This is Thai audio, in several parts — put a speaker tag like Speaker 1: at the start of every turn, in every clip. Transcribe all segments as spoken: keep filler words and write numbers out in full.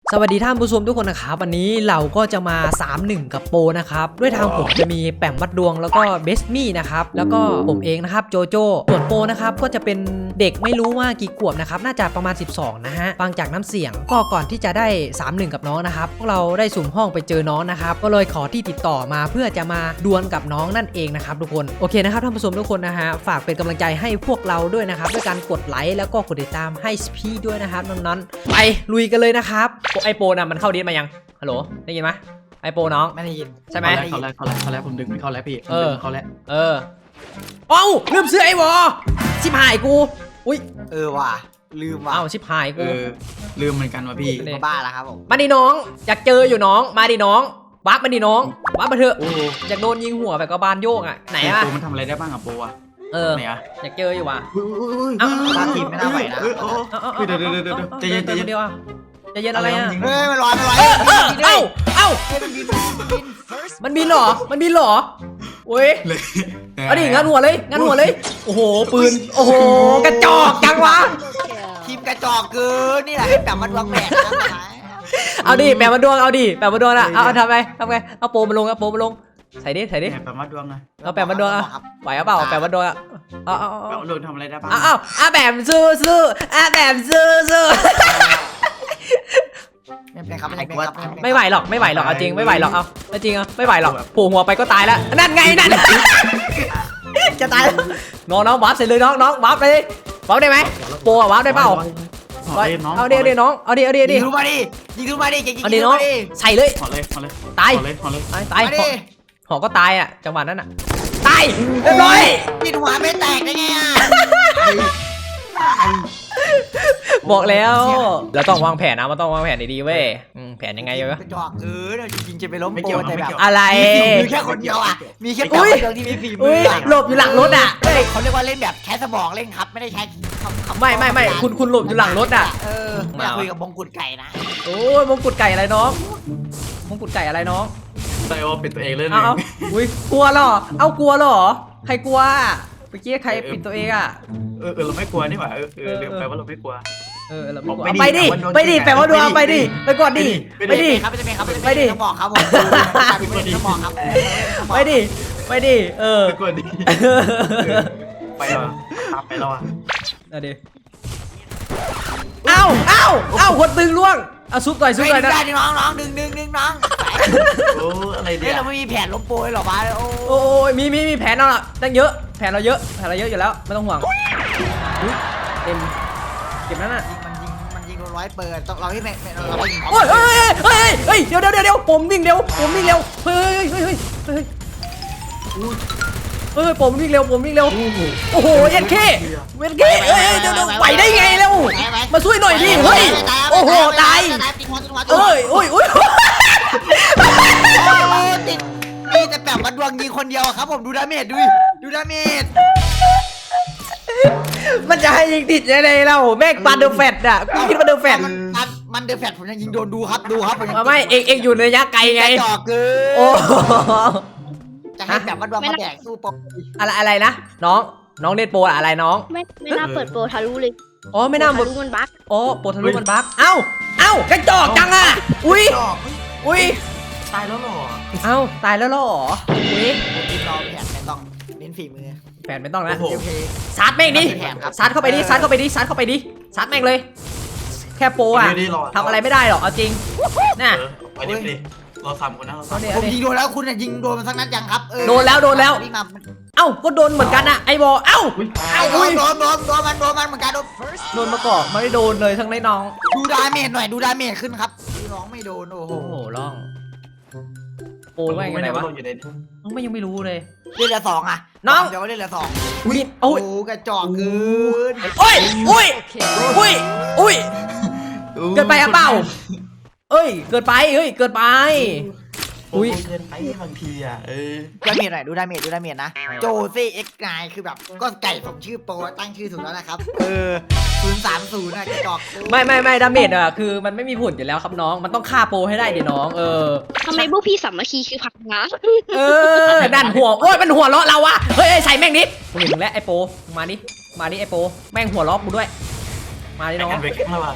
Speaker 1: สวัสดีท่านผู้ชมทุกคนนะครับวันนี้เราก็จะมาสามหนึ่งกับโปนะครับด้วยทางผมจะมีแปมมัดดวงแล้วก็เบสมี่นะครับแล้วก็ผมเองนะครับโจโจ้ส่วนโปนะครับก็จะเป็นเด็กไม่รู้ว่ากี่ขวบนะครับน่าจะประมาณสิบสองนะฮะฟังจากน้ำเสียงก็ก่อนที่จะได้สามหนึ่งกับน้องนะครับพวกเราได้สุ่มห้องไปเจอน้องนะครับก็เลยขอที่ติดต่อมาเพื่อจะมาดวลกับน้องนั่นเองนะครับทุกคนโอเคนะครับท่านผู้ชมทุกคนนะฮะฝากเป็นกำลังใจให้พวกเราด้วยนะครับด้วยการกดไลค์แล้วก็กดติดตามให้พี่ด้วยนะครับน้องๆไปลุยกันเลยนะครับไอโปน่ะมันเข้าดิสมายังฮัลโหลได้ยินไหมไอโปน้อง
Speaker 2: ไม่ได้ยิน
Speaker 1: ใช่ไหม
Speaker 3: เขาแล้วเขาแล้วเขาแล้วผมดึงไม่เข้าแล้วพี่เออเขาแล้ว
Speaker 1: เออเอ้าลืมซื้อไอวอชิบหายกูอุ้ย
Speaker 2: เออว่ะลืมว่ะ
Speaker 1: เอ้าชิบหายกู
Speaker 3: ลืมเหมือนกันว่ะพี่
Speaker 2: บ้าแล้วครับผม
Speaker 1: มาดิน้องอยากเจออยู่น้องมาดิน้องวับมาดิน้องวับมาเถอะอยากโดนยิงหัวแบบกระบาลโยกอ่ะไหนอ่ะ
Speaker 3: มันทำอะไรได้บ้างอะโปอะ
Speaker 1: เอออยากเจออยู่ว่ะ
Speaker 2: เอ้าตาทีมไม่น่าไหวนะ
Speaker 3: เดี๋ยวเดี๋ยวเดี๋ยวใจเย็นใจเย็น
Speaker 1: เดี๋ยวจะเย็นอะไรอ่ะ
Speaker 2: เฮ้ยมันลอยมันลอย
Speaker 1: เอ้าเอ้ามันบินเหรอมันบินเหรอโอ้ยเอาดิงันหัวเลยงันหัวเลยโอ้โหปืนโอ้โหกระจอกจังวะ
Speaker 2: ทีมกระจอกเกินนี่แหละแบบมันวางแผนนะ
Speaker 1: เอาดิแบบมาดวงเอาดิแบบมาดวงอ่ะเอาทำไงทำไงเอาโปมาลงเอาโปมาลงใส่ดิใส่ดิ
Speaker 3: แบบมาดวงไง
Speaker 1: เอาแบบมาดวงอ่ะไหวเปล่าแบบมาดวงอ่ะเอาเอา
Speaker 3: เอาลงทำอะไรได้บ้าง
Speaker 1: เอาเอาเอาแบบซื้อซื้อเอาแบบซื้อซื้อ
Speaker 2: ไม่เป็นครับไม่เป็นครับ
Speaker 1: ไม่ไหวหรอกไม่ไหวหรอกเอาจริงไม่ไหวหรอกเอาจริงอ่ะไม่ไหวหรอกโผล่หัวไปก็ตายแล้วนั่นไงนั่นจะตายน้องน้องวาร์ปเสร็จเลยน้องน้องวาร์ปเลยวาร์ปได้ไหมโปรวาร์ปได้เปล่าเอาเดี๋ยวเดี๋ยวน้องเอาเดี๋ยวเดี๋ยวเดี๋ยว
Speaker 2: ยิงรู้มาดิยิงรู้มาดิยิง
Speaker 1: เอาเดี๋ยวน้องใส่เลย
Speaker 3: หอเลยหอเลย
Speaker 1: ตายตายตายหอก็ตายอ่ะจังหวะนั้นอ่ะตายเรียบร้อย
Speaker 2: ปิดหัวไม่แตกได้ไงอ่ะ
Speaker 1: บอกแล้วเราต้องวางแผนนะมันต้องวางแผนดีๆเว้ยแผนยังไงวะ
Speaker 2: กระจอกเออจริงๆจะไปล้มโปแต่แบบ
Speaker 1: อะไร
Speaker 2: มีแค่คนเดียวอ่ะมีแค่คนเดียวที่มีฝีมือ
Speaker 1: หลบอยู่หลังรถอ่ะ
Speaker 2: เขาเรียกว่าเล่นแบบใช้สมองเล่นครับไม่ได้ใช้
Speaker 1: ไม่ไม่ไม่คุณคุณหลบอยู่หลังรถอ่ะ
Speaker 2: เออมาคุยกับมงกุฎไก่นะ
Speaker 1: โอ้ยมงกุฎไก่อะไรน้องมงกุฎไก่อะไรน้อง
Speaker 3: ไซโอปิดตัวเองเล่น
Speaker 1: เอาอุ้ยกลัวเหรอเอากลัวเหรอใครกลัวเมื่อกี้ใครปิดตัวเองอ่ะ
Speaker 3: เออเราไม่กลัวนี่หว่าเออเออแปลว่าเราไม่กลัว
Speaker 1: เออเราไม่กลัวไปดิไปดิแปลว่าดวงไปดิไปก่อนดิไปดิ
Speaker 2: ครับจะเป็นครับไปดิต้องบอกครับผมต้องบอกครับ
Speaker 1: ไปดิไปดิเออ
Speaker 3: ไปก่อนดิไปแล้วไปแล้วอ่ะ
Speaker 1: เอาดิเอ้าเอ้าเอ้าคนตึงล่วงเอาซุปหน่อยซุปหน่อยนะ
Speaker 2: ได้น้องน้องดึงดึงดึงน้อง
Speaker 3: โอ้อะไรเนี่ย
Speaker 2: เราไม่มีแผนล้มโปยหรอวะ
Speaker 1: โอ้ยมีมีมีแผนเราตั้งเยอะแผนเราเยอะแผนเราเยอะอยู่แล้วไม่ต้องห่วงเต็มเก็บนั่นน่ะ
Speaker 2: มันยิงมันยิงโดนร้อยเปิดต้องเราที่แม่เราไปยิง
Speaker 1: โอ้ยเฮ้ยเฮ้ยเฮ้ยเดี๋ยวเดี๋ยวเดี๋ยวผมวิ่งเร็วผมวิ่งเร็วเฮ้ยเฮ้ยเฮ้ยเฮ้ยเฮ้ยผมวิ่งเร็วผมวิ่งเร็วโอ้โหเอ็นเคเอ็นเคเฮ้ยเดี๋ยวเดี๋ยวไปได้ไงแล้วมาช่วยหน่อยดิเฮ้ยโอ้โหตายเอ้ยโอ้ยโอ้ย
Speaker 2: ติดมีแต่แบบมาดวงยิงคนเดียวครับผมดูดาเมจดูดูดาเมจ
Speaker 1: มันจะให้ยิงติดยังไงเราแม่งปันเดอร์แฟตอ่ะกูคิดว่าเดอร์แฟต
Speaker 2: มันมันเดอร์แฟตผมยังยิงโดนดูครับดูครับ
Speaker 1: ไม่เอกเอกอยู่ในระยะไกลไง
Speaker 2: จ่อเกิน
Speaker 1: โอ้
Speaker 2: จะให้แบบมาดวงมาแดกสู้โป
Speaker 1: อะไรอะไรนะน้องน้องเล่นโปอะไรน้อง
Speaker 4: ไม่ไม่น่าเปิดโปรทะลุเลย
Speaker 1: อ๋อไม่น่า
Speaker 4: ทะลุมันบั๊ก
Speaker 1: อ๋อโปรทะลุมันบั๊กเอ้าเอ้ากระจอกจังอ่ะอุ้ยอุ้ย
Speaker 3: ตายแล้วหรอ
Speaker 1: เอ้าตายแล้วหรออุ้ย
Speaker 2: ทีมเราแผนไม่ต้องเน้นฝีมือ
Speaker 1: แผนไม่ต้องนะซัดแม่งดิซัดเข้าไปดิซัดเข้าไปดิซัดเข้าไปดิซัดแม่งเลยแค่โปอ่ะทำอะไรไม่ได้หรอกเอาจริงน่ะ
Speaker 3: ไปดิดิเราสามคนนะเรา
Speaker 2: ผมยิงโดนแล้วคุณยิงโดนมันสักนัดยังครับ
Speaker 1: โดนแล้วโดนแล้วเอ้าก็โดนเหมือนกันนะไอ้บอเอ้า
Speaker 2: โดนโดนโดนโดนมันโดนมันเหมือนกันโดน
Speaker 1: โดนมาก่อนไม่ได้โดนเลยทั้งในน้อง
Speaker 2: ดูดาเมจหน่อยดูดาเมจขึ้นครับน้องไม่โดนโอ้โห
Speaker 1: ร้องโอ้ยว่าไงวะน้องไม่ยังไม่รู้เลย
Speaker 2: เล่นละสองอ่ะ
Speaker 1: น้อง
Speaker 2: เดี๋ยวเล่นละสอง
Speaker 1: อุ้ย
Speaker 2: โอ้กระจอกเกิน
Speaker 1: โอ้ยอุ้ยอุ้ยอุ้ยเกินไปอ่ะเปล่าเอ้ยเกินไปเฮ้ยเกินไป
Speaker 3: อุ้ยเกินไปบางทีอ่ะเออ
Speaker 2: ดาเมจหน่อยดูดาเมจดูดาเมจนะโจซี่เอ็กซ์ไนคือแบบก็ไก่ผมชื่อโปรตั้งชื่อถูกแล้วนะครับเออศูนย์สามศูนย์นะกระจอก
Speaker 1: ไม่ไม่ไม่ดาเมจอ่ะคือมันไม่มีผลอยู่แล้วครับน้องมันต้องฆ่าโปรให้ได้ดิน้องเออ
Speaker 4: ทำไมพวกพี่สามัคคีคือผักนะ
Speaker 1: เออนั่นหัวโอ้ยมันหัวเราะเราอะเฮ้ยใส่แม่งนิดกูเห็นมึงแล้วไอ้โปมาดิมาดิไอ้โปแม่งหัวเราะกูด้วยมาดิน้อง
Speaker 3: ไปแข่งแล้วว่ะ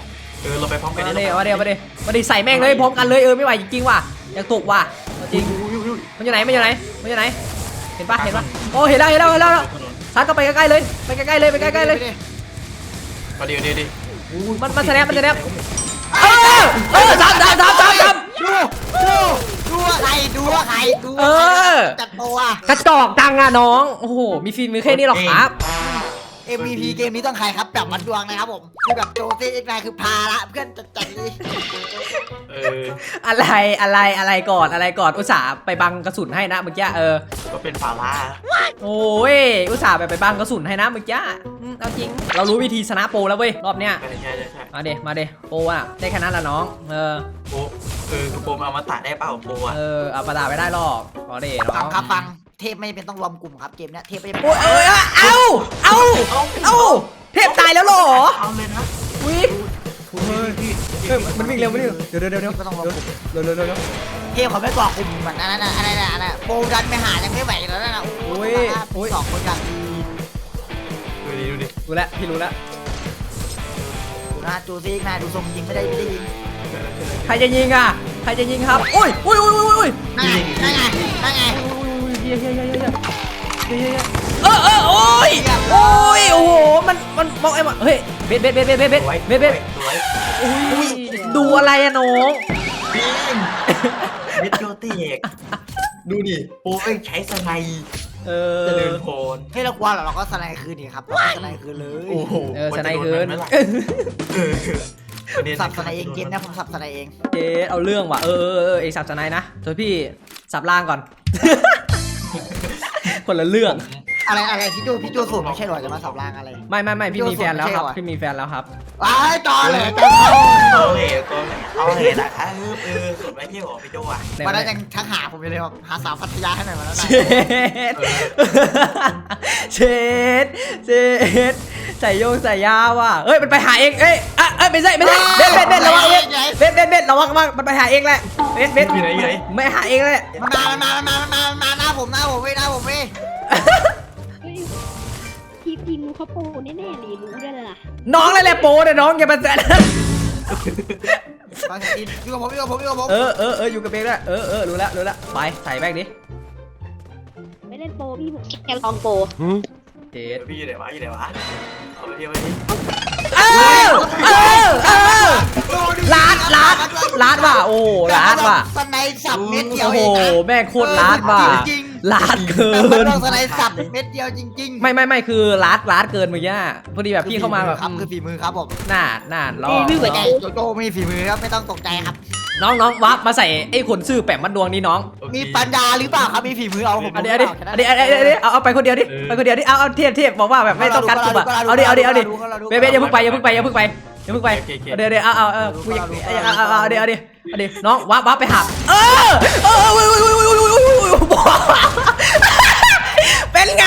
Speaker 3: เออเราไปพร้อมกัน
Speaker 1: มาเดี๋ยวมาเดี๋ยวมาเดี๋ยวมาเดี๋ยวใส่แม่งเลยพร้อมกันเลยเออไม่ไหวจริงๆว่ะอยากตกว่ะจริงมันอยู่ไหนมันอยู่ไหนมันอยู่ไหนเห็นปะเห็นปะโอ้เห็นแล้วเห็นแล้วเห็นแล้วซัดก็ไปใกล้ๆเลยไปใกล้ๆเลยไปใกล้ๆเลย
Speaker 3: มาเดี๋ยวเดี๋ยวดิ
Speaker 1: มันมันแสดงมันแสดงเออเออซัดซัดซัดซัดซัด
Speaker 2: ดูดูดูว่าใครดูว่าใครดู
Speaker 1: เออ
Speaker 2: จัดตัว
Speaker 1: กระจอกจังอะน้องโอ้โหมีฟิล์มมือแค่นี้หรอครับ
Speaker 2: เอ็ม วี พี เกมนี้ต้องใครครับแบบมัดดวงนะครับผมคือแบบโจซี่เอ็กไนคือพาละเพื่อนจัดจัดเลย
Speaker 3: เออ
Speaker 1: อะไรอะไรอะไรก่อนอะไรก่อนอุตส่าห์ไปบังกระสุนให้นะเมื่อกี้เออ
Speaker 3: ก็เป็นฟาร่า
Speaker 1: โอ้ยอุตส่าห์ไปไปบังกระสุนให้นะเมื่อกี้อืมเอาจริงเรารู้วิธีชนะโปรแล้วเว้ยรอบเนี้ย
Speaker 3: ใช่ใช่ใช่ใช่
Speaker 1: มาเดมาเดโปรอะได้แค่นั้นละน้องเออ
Speaker 3: โอ้เออกระโปรงเอามาตัดได้เปล่าโปอ่ะ
Speaker 1: เออเอาประดาไม่ได้หรอกพอเดน้
Speaker 2: ฟั
Speaker 1: อง ง
Speaker 2: ครับฟังเทพไม่จำเป็นต้องรวมกลุ่มครับเกมเนี้ยเทพไม่จำเป็น
Speaker 1: โอ้ยเอ้ยเอาเอาเอาเทพตายแล้วเหรอ
Speaker 3: เอาเลยนะ
Speaker 1: วิเฮ้ยมันวิ่งเร็วมันวิ่งเร็วเดี๋ยวเดี๋ยวเดี๋ยวเดี๋ยว
Speaker 2: ไม่ต้องรวมกลุ่ม
Speaker 1: เร็วเร็วเร็วเร็ว
Speaker 2: เกมเขาไม่บอกกลุ่มเหมือนอันนั้นน่ะอันนั้นน่ะอันนั้นน่ะโปรดันไปหายังไม่ไหวแล้วนะโอ้ยสองคนกัน
Speaker 3: ดูดิดูดิ
Speaker 1: รู้แล้วพี่รู้แล้ว
Speaker 2: ดูนะโจซี่เอ็กไนดูทรงยิงไม่ได้ไม่ได้ยิง
Speaker 1: ใครจะยิงอ่ะใครจะยิงครับอุ้ยอุ้ยอุ้ยอุ้ยอุ้ย
Speaker 2: นั่นไงนั่นไงนั่นไง
Speaker 1: เฮียเฮียเฮียเฮียเฮียเฮียเออเออโอ้ยโอ้ยโอ้โหมันมันมองไอ้มาเฮ้ยเบ็ดเบ็ดเบ็ดเบ็ดเบ็ดเบ็ด
Speaker 3: สวย
Speaker 1: เบ็ดเบ็ด
Speaker 3: สวย
Speaker 1: อุ้ยดูอะไรอะน้อง
Speaker 3: บิงเม็ดโยเตกดูดิโปเอ้ยใช้สไน
Speaker 1: เอ
Speaker 3: เจริ
Speaker 1: อ
Speaker 3: ญพร
Speaker 2: ให้เรากลัวเหรอเราก็สไลด์คืนดีครับเราก็สไลด์คืนเลย
Speaker 3: โอ้โห
Speaker 1: เออสไนคืน
Speaker 3: เออ
Speaker 2: สับสไลด์เองเกมนะผมสับสไลด์เอง
Speaker 1: เจ๊เอาเรื่องว่ะเออเออเออเอกสับสไนนะโดยพี่สับล่างก่อน คนละเรื่อง
Speaker 2: อะไรอะไรพี่โจพี่โจสูตรไม่ใช่หรอจะมาสับรางอะไร
Speaker 1: ไม่ไม่ไม่พี่มีแฟนแล้วครับ
Speaker 2: ไม่ใช่เหรอ
Speaker 1: พี่มีแฟนแล้วครับ
Speaker 2: ว้ายต่อเลยต่อ
Speaker 3: เอาเลยเอาเลยนะครับเออสุดไม่เที่ยวพี่โจอ่ะ
Speaker 2: วันนั้นยังทักหาผมอยู่เลยบอกหาสาวพัทยาให้หน่อยวันนั้น
Speaker 1: เช
Speaker 2: น่ะ
Speaker 1: ดเชดเชดใส่โยงใส่ยาว่ะเอ้ยมันไปหาเองเอ้ยอ่ะเอ้ยไม่ใช่ไม่ใช่เบ็ดเบ็ดเบ็ดระวังเบ็ดเบ็ดเบ็ดเบ็ดระวังระวังมันไปหาเองแหละเบ็ดเบ็ด
Speaker 3: อยู่ไหนอยู่ไหน
Speaker 1: ไม่หาเองแหละ
Speaker 2: มันมามันมามันมามันมามันมาหน้าผมหน้าผมเว้ยหน้าผมเว้ย
Speaker 4: เฮ้ยทีมทีมนู้นเขาโปรแน่ๆเลยรู้ได้เลยล่ะ
Speaker 1: น้องเลยแหละโปเนี่ยน้องอย่ามาแซะ
Speaker 2: ฟังกินอยู่กับผมอยู่กับผมอยู่กับผม
Speaker 1: เออเออเอออยู่กับเบงด้วยเออเออรู้แล้วรู้แล้วไปใส่แบงดิ
Speaker 4: ไม่เล่นโปรพี่ผมแค่ลองโปร
Speaker 1: เจ็ด
Speaker 3: พี่อยู่ไหนวะอยู่ไหนวะเอาไปเที่ยวไปดิ
Speaker 1: เออเออเออลาดลาดลาดว่ะโอ้ลาดว่ะ
Speaker 2: สไนด์สับเม็ดเดียว
Speaker 1: โอ้
Speaker 2: เอ
Speaker 1: โห
Speaker 2: งนะ
Speaker 1: แม่งโคตรลาดว่ะลาดเกิ
Speaker 2: แต่มัน
Speaker 1: น
Speaker 2: ต้องสไนด์สับเม็ดเดียวจริงๆ
Speaker 1: ไม่ไม่ไม่คือลาดลาดเกินเมื่อกี้พอดีแบบพี่เข้ามาแบบ
Speaker 2: ครับคือฝีมือครับผม
Speaker 1: หน้าหน้าล้อ
Speaker 2: ไม่ไก่โจโจ้ไม่มีฝีมือครับไม่ต้องตกใจครับ
Speaker 1: น้องน้องวับมาใส่ไอ้ขนซื่อแปะมัดดวงนี่น้อง
Speaker 2: มีปัญญาหรือเปล่าครับมีฝีมือเอาผม
Speaker 1: อันนี้อันนี้อันนี้อันนี้อันนี้เอาเอาไปคนเดียวดิไปคนเดียวดิเอาเอาเทียบเทียบบอกว่าแบบไม่ต้องกัดกลุ่มอะเอาดิเอาดิเอาดิเบ๊ะเบ๊ะอย่าเพิ่งไปอย่าเพิ่งไปอย่าเพิ่งไปอย่าเพิ่งไปเดี๋ยวเดี๋ยวเอาเอาเอากูอยากเอาเอาเอาเดี๋ยวเอาดิเอาดิน้องวับวับไปหาเออเออเป็นไง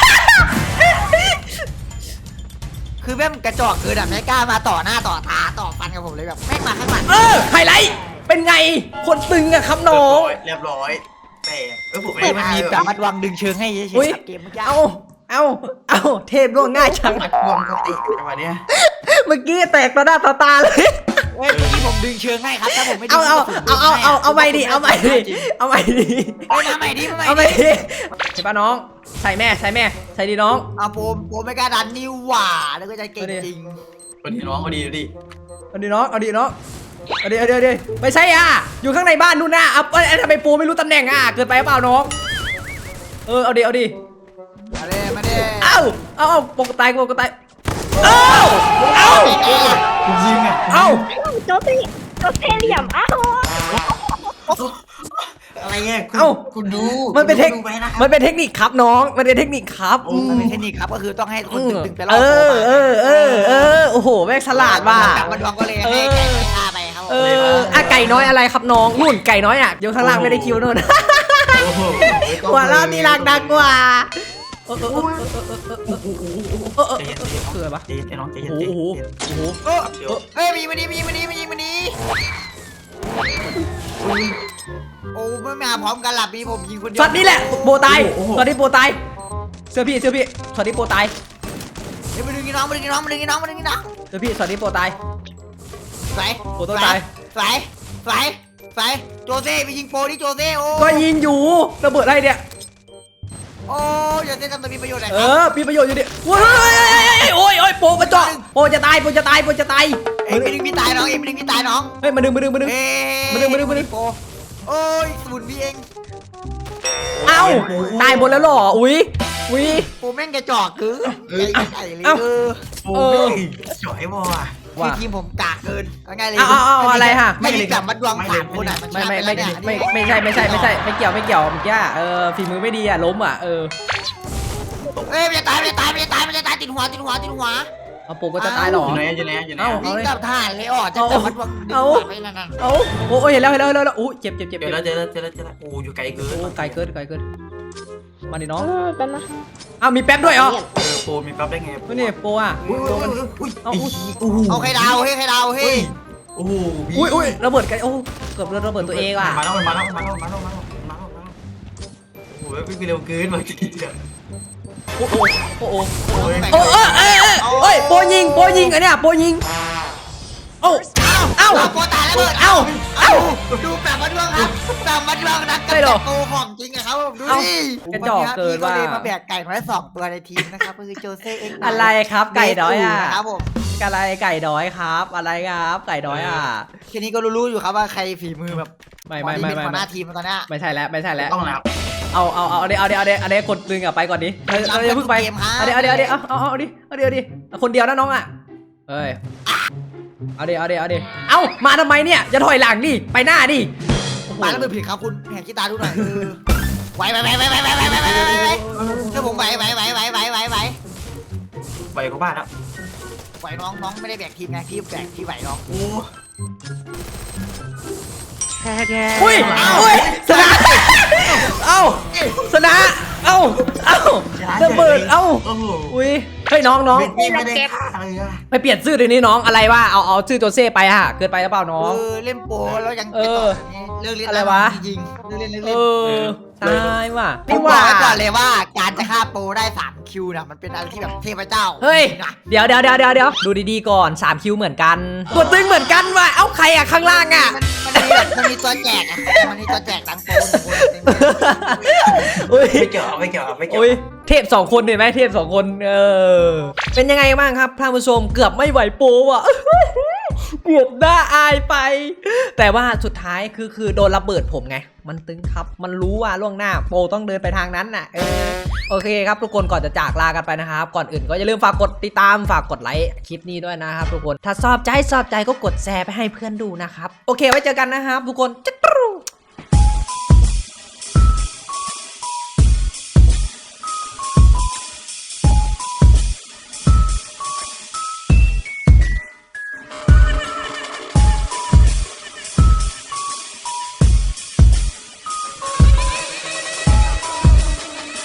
Speaker 2: คือแม่งกระจอกเกินอ่ะไม่กล้ามาต่อหน้าต่อตาต่อฟันกับผมเลยแบบแม่งมาข้างหลัง
Speaker 1: เออไฮไลท์เป็นไงคนตึงอะครับน้อง
Speaker 3: เรียบร้อยแต่เออผมไม่
Speaker 2: เอ้ย
Speaker 3: ได้
Speaker 2: มันมีแบบมัดวางดึงเชิงให้เฉย
Speaker 1: อุ้ย
Speaker 2: ๆครับเกมเมื่อกี้
Speaker 1: เอาเอาเอาเทพร่วงง่ายจัง
Speaker 3: มัดรวมกันติดจังหวะเนี้ย
Speaker 1: เมื่อกี้แตกต่อหน้าต่อตาเลย
Speaker 2: เฮ้ยเมื่อกี้ผมดึงเชิงให้ครับถ้าผมไม่ดึ
Speaker 1: เอา
Speaker 2: ง
Speaker 1: เอาเอาเอาเอาเอาใหม่ดิเอาใหม่ดิเอาใหม่ดิ
Speaker 2: เฮ้ยมาใหม่ดิมา
Speaker 1: เอา
Speaker 2: ให
Speaker 1: ให
Speaker 2: ม่
Speaker 1: ม่
Speaker 2: ดิ
Speaker 1: ดิเห็นปะน้องใส่แม่ใส่แม่ใส่ดีน้อง
Speaker 2: เอาผมผมไม่กล้าดันนี่หว่าแล้วก็จะเก่งจริง
Speaker 3: วันนี้น้องเอาดีดูดิ
Speaker 1: เอาดีน้องเอาดีน้องเอาดีเอาดีเอาดีไม่ใช่อ่ะอยู่ข้างในบ้านนู่นน่ะเอาเอ้ยทำไมปูไม่รู้ตำแหน่งอ่ะเกินไปเปล่าน้องเออเอาดีเอาดี
Speaker 2: มาเลยมาเลย
Speaker 1: เอาเอาเอาปกตายปกตายเอาเอา
Speaker 3: ยิงอ่ะ
Speaker 1: เอา
Speaker 4: โจเซ่โจเซ่เหลี่ยมอ้าว
Speaker 3: อะไรเงี้ยคุณดู
Speaker 1: มันเป็นเทค
Speaker 3: ดูไปนะ
Speaker 1: มันเป็นเทคนิคครับน้องมันเป็นเทคนิคครับ
Speaker 2: มันเป็นเทคนิคครับก็คือต้องให้คนดึงๆไปรอ
Speaker 1: เอบ
Speaker 2: โผล่
Speaker 1: อ
Speaker 2: มา
Speaker 1: เออเออเออโอ้โหแม่งฉลาดว่ะ
Speaker 2: กลับมาดวงก็เลยให้ไก่ฆ่าไปครับ
Speaker 1: เอออะไก่น้อยอะไรครับน้องนู่นไก่น้อยอ่ะอยู่ข้างล่างไม่ได้คิวนู่น
Speaker 3: โอ้โห
Speaker 1: หัวเราะตีรักดังกว่าเออเออเออเออเออ
Speaker 3: ใจเย็นใจเย็น
Speaker 1: คืออะไรวะ
Speaker 3: ใจเย็นน้องใจเย็น
Speaker 1: โอ้
Speaker 3: ใจ
Speaker 1: โห
Speaker 3: เย็น
Speaker 1: โอ้โห
Speaker 2: โอ้
Speaker 3: เดี๋ยว
Speaker 2: เฮ้ยมีมาดีมีมาดีมีมาดีโอ้ไม่มาพร้อมกันหลับมีผมยิงคนเดียว
Speaker 1: ช็อตนี้แหละโปตายช็อตนี้โปตายเสื้อพี่เสื้อพี่ช็อตนี้โปตาย
Speaker 2: เฮ้ยมาดึงน้องมาดึงน้องมาดึงน้องมาดึงน้อง
Speaker 1: เสื้อพี่ช็อตนี้โปตาย
Speaker 2: สวย
Speaker 1: โปต้องตาย
Speaker 2: สวยสวยสวยโจเซ่ไปยิงโปดิโจเซ่โอ้
Speaker 1: ก็ยิงอยู่ระเบิดอะไรเนี่ย
Speaker 2: โอ้โจเซ่ทำตัวมีประโยชน์อะไร
Speaker 1: เอ
Speaker 2: ครับ
Speaker 1: อมีประโยชน์อยู่ดิโอ้ยโอ้ยโอ้ยโปกระจอกโปจะตายโปจะตายโปจะตาย
Speaker 2: เอ็มไปดึงพี่ตายน้องเอ็มไปดึงพี่ตายน้อง
Speaker 1: เฮ้ยมาดึงมาดึงมาดึง
Speaker 2: เอ้
Speaker 1: มาดึงมาดึงมาดึง
Speaker 2: โปโอ้ยสมุนพี่เอง
Speaker 1: เอ้าตายหมดแล้วเหรออุ้ยอุ้ย
Speaker 2: โปแม่งกระจอกคือไก่ไก่เลย
Speaker 1: เอ้า
Speaker 2: เออ
Speaker 3: โอ้ยจ่อยบ่อ่ะ
Speaker 2: คือทีมผมกากเกินเอาไงเลย
Speaker 1: เอาเอาเอาอะไรฮะ
Speaker 2: ไม่ได้แบบมัดดวงสามคนอ่ะมัน
Speaker 1: ไม่
Speaker 2: ชนะ
Speaker 1: ไม่
Speaker 2: ป
Speaker 1: ไม่
Speaker 2: แล้วเนี่ย
Speaker 1: ไม่ไม่ใช่ไม่ใช่ไม่ใช่ไม่เกี่ยวไม่เกี่ยวเมื่อกี้เออฝีมือไม่ดีอ่ะล้มอ่ะเออ
Speaker 2: เอ้ยมันจะตายมันจะตายมันจะตายมันจะตายติดหัวติดหัวติดหัว
Speaker 1: เอาโปก็จะตายหรอ
Speaker 3: อยู่ไหนอยู่ไหนอยู่ไหน
Speaker 1: เอ้า
Speaker 2: วิ่งกลับทหารเลยอ่ะจะจับมัดดวงดึง
Speaker 1: เอา
Speaker 2: หัวไปนั่นน่ะ
Speaker 1: เอาโอ้ยเห็นแล้วเห็นแล้วเห็นแล้วโอ้ยเจ็บเจ็บเจ็บ
Speaker 3: เจอแล้วเจอแล้วเจอแล้วเจอแล้วโอ้อยู่ไกลเกิน
Speaker 1: โอ้ไกลเกินไกลเกินมาดิน้อง
Speaker 4: เออเป็นนะ
Speaker 1: อ้าวมีแป๊บด้วยเหรอ
Speaker 3: เออโปรมีปั๊บได้ไง
Speaker 1: นี่โปอ่ะ
Speaker 3: อุ้ยอุ้ยอุ้ย
Speaker 1: เอา
Speaker 3: อุ้ย
Speaker 2: เอาใครดาวเฮ้ยใครดาวเฮ้ย
Speaker 3: โอ้โห
Speaker 1: อุ้ยอุ้ยระเบิดไกลโอ้เกือบระเบิดตัวเองว่ะ
Speaker 3: มาแล้วมาแล้วมาแล้วมาแล้วมาแล้วมาแล้วโอ้ยวิ่งเร็วเกินเมื่อกี้เนี่ย
Speaker 1: โอ้โหโอ้โห
Speaker 3: โอ้ย
Speaker 1: โอ้เอ้ยเอ้ยเอ้ยเอ้ยโปยิงโปยิงอันเนี้ยโปยิงเอ้าเอ้า
Speaker 2: เอาโปตายแล้วเบิด
Speaker 1: เอ้า
Speaker 2: เอ้าดูแบบมัดดวงครับแบบมัดดวงนัก
Speaker 1: ใช่เหรอ
Speaker 2: โกของจริงอะครับผมดู
Speaker 1: เอ้า
Speaker 2: ดิ
Speaker 1: กระจอกเกินว่ะ
Speaker 2: พี่เลยมาแบกไก่มาได้สองตัวในทีมนะครับก็คือโจเซ่เอ็กซ์
Speaker 1: อะไรครับไก่น้อยอ่ะ
Speaker 2: ครับผม
Speaker 1: อะไรไก่น้อยครับ อะไรครับไก่น้อยอ่ะ
Speaker 2: แค่นี้ก็รู้ๆอยู่ครับว่าใครฝีมือแบบ
Speaker 1: ไม่ไม่ไม่
Speaker 2: เป็น
Speaker 1: ไม่
Speaker 2: หัวห
Speaker 1: ไม่
Speaker 2: น้าทีมตอนเนี้ย
Speaker 1: ไม่ใช่แล้วไม่ใช่แล้ว
Speaker 3: ต้องแล้ว
Speaker 1: เอาเอาเอาเอาเดี๋ยวเอาเดี๋ยวเอาเดี๋ยวเอาเดี๋ยวกดดึงอ่ะไปก่อนดิเราเราอย่าเพิ่งไปเอาเดี๋ยวเอาเดี๋ยวเอาเดี๋ยวเอาเอาเอาดิเอาเดี๋ยวเอาดิคนเดียวนะน้องอ่ะเอ้ยเอาเดี๋ยวเอาเดี๋ยวเอาเดี๋ยวเอามาทำไมเนี่ยจะถอยหลังดิไปหน้าดิ
Speaker 2: ปาแล้วมือผิดครับคุณแหกขี้ตาดูหน่อยเออไหวไหวไหวไหวไหวไหวไหวไหวไหวไหวไหวเชื่อผมไหวไหวไหวไหวไหวไหวไหว
Speaker 3: ไปกับบ้านแล้ว
Speaker 2: ไหวน้องน้องไม่ได้แบกทีมไงพี่แบกพี่ไหวน้อง
Speaker 3: โอ้
Speaker 1: อุ้ยอุ้ยชนะเอ้าชนะเอ้าเอ้าระเบิดเอ้า
Speaker 3: โอ้โห
Speaker 1: อุ้ยเฮ้ยน้องน้อง
Speaker 3: ไม่ไม่ได้ฆ่าเลยอะ
Speaker 1: ไปเปลี่ยนชื่อเดี๋ยวนี้น้องอะไรวะเอาเอาชื่อตัวเซ่ไปอะเกินไปหรือเปล่าน้อง
Speaker 2: เออเล่นโปแล้วยัง
Speaker 1: เออ
Speaker 2: เลิกเล่น
Speaker 1: อะไรวะ
Speaker 2: จริงๆเลิกเล่นเลิก
Speaker 1: เอ
Speaker 2: เล่น
Speaker 1: อตายว่ะ
Speaker 2: ผม
Speaker 1: นี่
Speaker 2: บอ
Speaker 1: ว่ะ
Speaker 2: กไว้ก่อนเลยว่าการจะฆ่าโปรได้สามคิวนะมันเป็นอะไรที่แบบเทพเจ้า
Speaker 1: เฮ้ย
Speaker 2: นะ
Speaker 1: เดี๋ยวเดี๋ยวเดี๋ยวเดี๋ยวเดี๋ยวดูดีๆก่อนสามคิวเหมือนกันตัวตึงเหมือนกันว่ะเอ้าใครอะข้างล่างอะ
Speaker 2: มันมันมีแบบมันมีตัวแจกอะมันมีตัวแจกตังโปรหนึ่งคนเต็มเลย
Speaker 1: อุ้ย
Speaker 3: ไม่เกี่ยวไม่เกี่ยวไม่เกี่ยว
Speaker 1: อุ้ยเทพสองคนเห็นไหมเทพสองคนเออเป็นยังไงบ้างครับท่านผู้ชมเกือบไม่ไหวโปรว่ะ เกือบน่าอายไป แต่ว่าสุดท้ายคือคือโดนระเบิดผมไง มันตึงครับ มันรู้ว่าล่วงหน้าโปรต้องเดินไปทางนั้นน่ะเออโอเคครับทุกคนก่อนจะจากลากันไปนะครับ ก่อนอื่นก็อย่าลืมฝากกดติดตามฝากกดไลค์คลิปนี้ด้วยนะครับทุกคนถ้าชอบใจชอบใจก็กดแชร์ไปให้เพื่อนดูนะครับโอเคไว้เจอกันนะครับทุกคนจ๊ะ